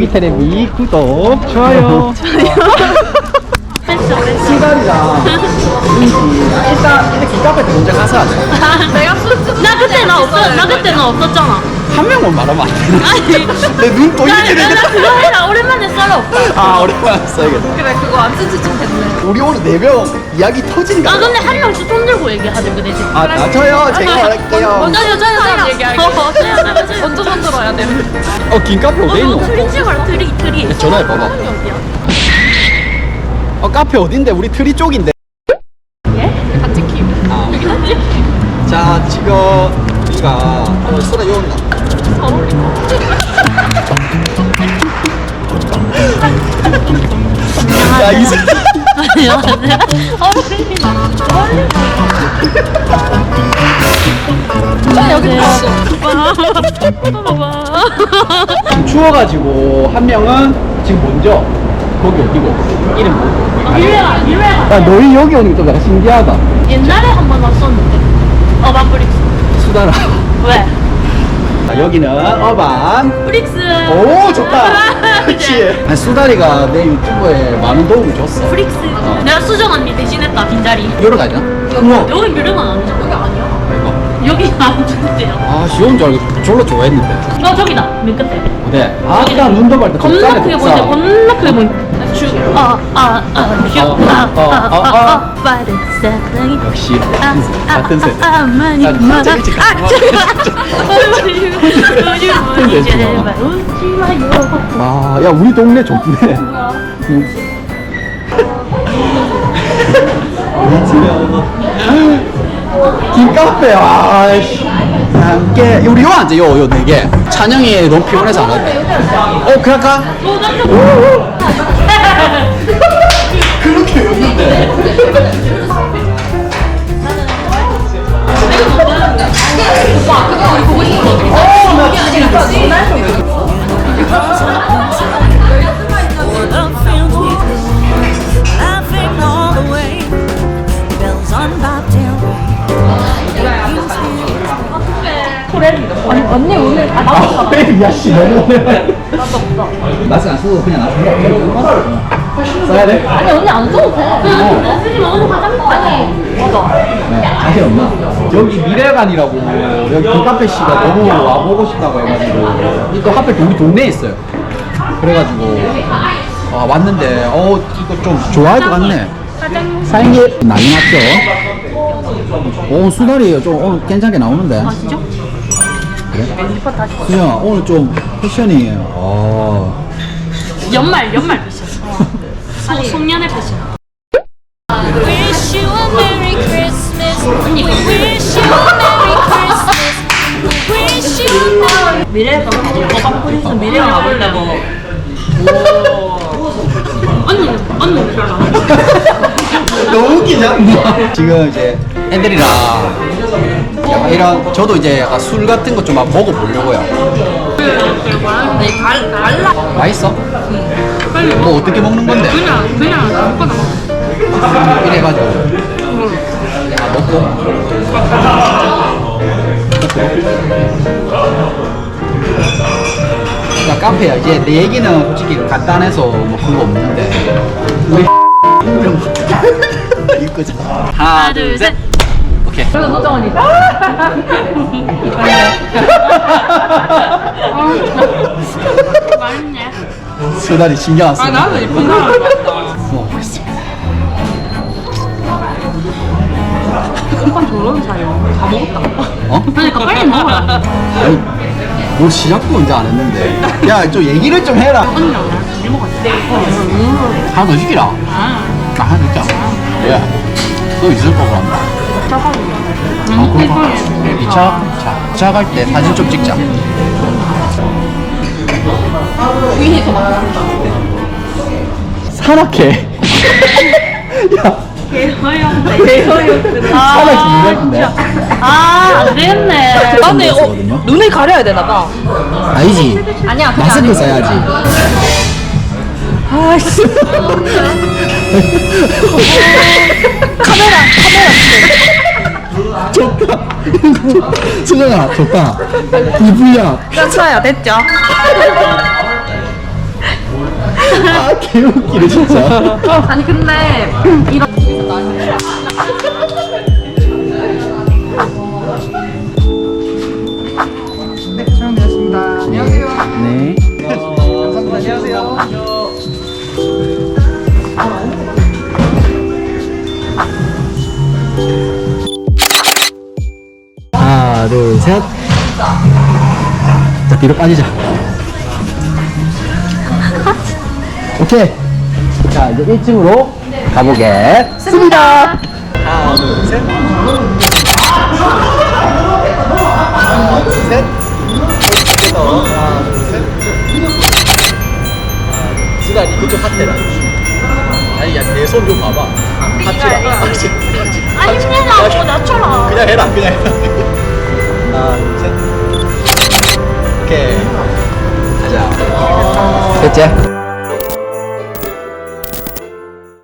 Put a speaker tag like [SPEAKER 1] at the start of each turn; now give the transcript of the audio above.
[SPEAKER 1] 테레비 구독, 좋아요. 수달이랑 은지 일단 이렇게 카페 먼저 가서 하자.
[SPEAKER 2] 내가
[SPEAKER 3] 나 그때 나 그때 너 없었잖아.
[SPEAKER 1] 한 명만 말하면 안 되나?
[SPEAKER 3] 아니.
[SPEAKER 1] 내 눈 또 이렇게
[SPEAKER 3] 나
[SPEAKER 1] 되겠다.
[SPEAKER 3] 그거 해라. 오랜만에 썰어 오빠.
[SPEAKER 1] 아 오랜만에 써야겠다.
[SPEAKER 2] 그래 그거 안 쓴지 좀 됐네.
[SPEAKER 1] 우리 오늘 4명 이야기 터지니까.
[SPEAKER 3] 아 근데 한 명씩 손 들고 얘기하자 그 대신.
[SPEAKER 1] 아 저요 제가 할게요.
[SPEAKER 3] 먼저 여자 얘기할게.
[SPEAKER 2] 먼저 손들어야 돼.
[SPEAKER 1] 긴 카페 어디 있노?
[SPEAKER 3] 트리 찍어라 트리.
[SPEAKER 1] 전화해 봐봐. 카페 어딘데? 우리 트리 쪽인데.
[SPEAKER 3] 예?
[SPEAKER 2] 다 찍힘.
[SPEAKER 1] 아. 자 지금 우리가 소라 요온나. 야 이 새끼.
[SPEAKER 3] 안녕하세요.
[SPEAKER 1] 추워가지고 한 명은 지금 먼저 거기 어디고 이름 뭐?
[SPEAKER 3] 일회가.
[SPEAKER 1] 야 너희 여기 오는 게 좀 약간 신기하다.
[SPEAKER 3] 옛날에 한 번 왔었는데. 어반 브릭스.
[SPEAKER 1] 수다라.
[SPEAKER 3] 왜?
[SPEAKER 1] 자, 여기는 어반.
[SPEAKER 3] 브릭스.
[SPEAKER 1] 오 좋다. 그렇지. 아니, 수다리가 내 유튜브에 많은 도움을 줬어.
[SPEAKER 3] 브릭스. 내가 수정 언니 대신했다 빈자리.
[SPEAKER 1] 여러 가지나? 우와.
[SPEAKER 3] 여기 뮤르가 아니야. 여기 아니야. 여기 안 좋대요.
[SPEAKER 1] 아 시온 줄 알고 졸라 좋아했는데.
[SPEAKER 3] 저기다 맨 끝에.
[SPEAKER 1] 어때? 아까 눈도 발때
[SPEAKER 3] 겁나 크게 보이지. 겁나 크게 보이지. 빠른 사랑이.
[SPEAKER 1] 역시 같은 세.
[SPEAKER 3] 많이
[SPEAKER 1] 난
[SPEAKER 3] 많아.
[SPEAKER 1] 진짜 일찍 갔어.
[SPEAKER 3] 제발 웃지 마요.
[SPEAKER 1] 아, 야 우리 동네 좋네. 김카페 와씨 함께 우리 요 앉아 요 4개 찬영이 너무 피곤해서 안 왔대. 그럴까? 그렇게 없는데.
[SPEAKER 4] Laughing all the way, bells on bobtail
[SPEAKER 2] 언니 오늘 나도
[SPEAKER 1] 야씨 너무 맛은 안 쓰고 그냥 놔둔다. 써야 돼?
[SPEAKER 2] 아니 언니 안 써도 돼.
[SPEAKER 3] 쓰지 마. 오늘 화장품 아니.
[SPEAKER 2] 맞아.
[SPEAKER 1] 자신 없나? 여기 미래관이라고 여기 김카페 씨가 너무 와보고 싶다고 해가지고 이 또 하필 우리 동네에 있어요. 그래가지고 왔는데 이거 좀 좋아할 것 같네. 사인게 난리 났죠? 오 수다리 좀 오늘 괜찮게 나오는데.
[SPEAKER 3] 아 진짜?
[SPEAKER 1] 그래? 수영아 오늘 좀 패션이
[SPEAKER 3] 연말 패션. 송년회 패션.
[SPEAKER 4] Wish you a Merry Christmas.
[SPEAKER 3] 언니
[SPEAKER 4] Wish you a Merry Christmas. Wish you a Merry.
[SPEAKER 3] 미래가 어반 브릭스 미래가 가볼래 뭐. 언니 별로 안
[SPEAKER 1] 너무 웃기냐? 지금 이제 애들이랑 약간 이런 저도 이제 약간 술 같은 거 좀 먹어보려고요. 맛있어? 뭐 어떻게 먹는 건데?
[SPEAKER 3] 그냥 아무거나 먹어.
[SPEAKER 1] 이래가지고 자 카페야 이제 내 얘기는 솔직히 간단해서 뭐 그거 없는데 우리 이거지. 하나 둘 셋. 오케이.
[SPEAKER 2] 그리고 노정언니.
[SPEAKER 3] 맛있네.
[SPEAKER 1] 수다리 신경 안 써.
[SPEAKER 2] 나도 이쁜 사람 같다.
[SPEAKER 1] 먹어보겠습니다.
[SPEAKER 2] 오빠 저런 사요. 다 먹었다.
[SPEAKER 3] 그러니까 빨리 먹어라.
[SPEAKER 1] 아니 뭐 시작도 언제 안 했는데. 야 좀 얘기를 좀 해라.
[SPEAKER 3] 언니랑 나랑 둘이 먹었지.
[SPEAKER 1] 하나 더 시키라. 나 하나 있잖아. 왜? 너 있을 거고 한다. 그럼 2차? 자 갈 때 사진 좀 찍자.
[SPEAKER 2] 위에 더 많아.
[SPEAKER 1] 산악회. 야,
[SPEAKER 3] 개허용데.
[SPEAKER 1] 산악회 유명한데.
[SPEAKER 3] 안 되겠네.
[SPEAKER 2] 나는
[SPEAKER 1] 거든요?
[SPEAKER 2] 눈을 가려야 되나 봐.
[SPEAKER 1] 아니지.
[SPEAKER 2] 아니야. 그게
[SPEAKER 1] 마스크
[SPEAKER 2] 아니고.
[SPEAKER 1] 써야지.
[SPEAKER 2] 아이씨. 카메라.
[SPEAKER 1] 좋다. 수정아, 좋다. 이브야.
[SPEAKER 2] 괜찮아요. 됐죠?
[SPEAKER 1] 아, 개웃기네, 진짜.
[SPEAKER 2] 아니 근데 이런
[SPEAKER 5] 네, 촬영되었습니다. 안녕하세요.
[SPEAKER 1] 네.
[SPEAKER 5] 감사합니다. 안녕하세요.
[SPEAKER 1] 하나, 둘, 셋. 자, 뒤로 빠지자. 오케이. 자, 이제 1층으로 가보겠습니다. 하나, 둘, 셋. 하나, 둘, 셋. 하나, 둘, 셋. 지단이 그쪽 하트라. 아니, 야, 내 손 좀 봐봐. 하트라.
[SPEAKER 4] 아니 힘내라고 나처럼.
[SPEAKER 1] 그냥 해라, 그냥 해라. 하나, 둘, 셋. 오케이. 가자. 됐지?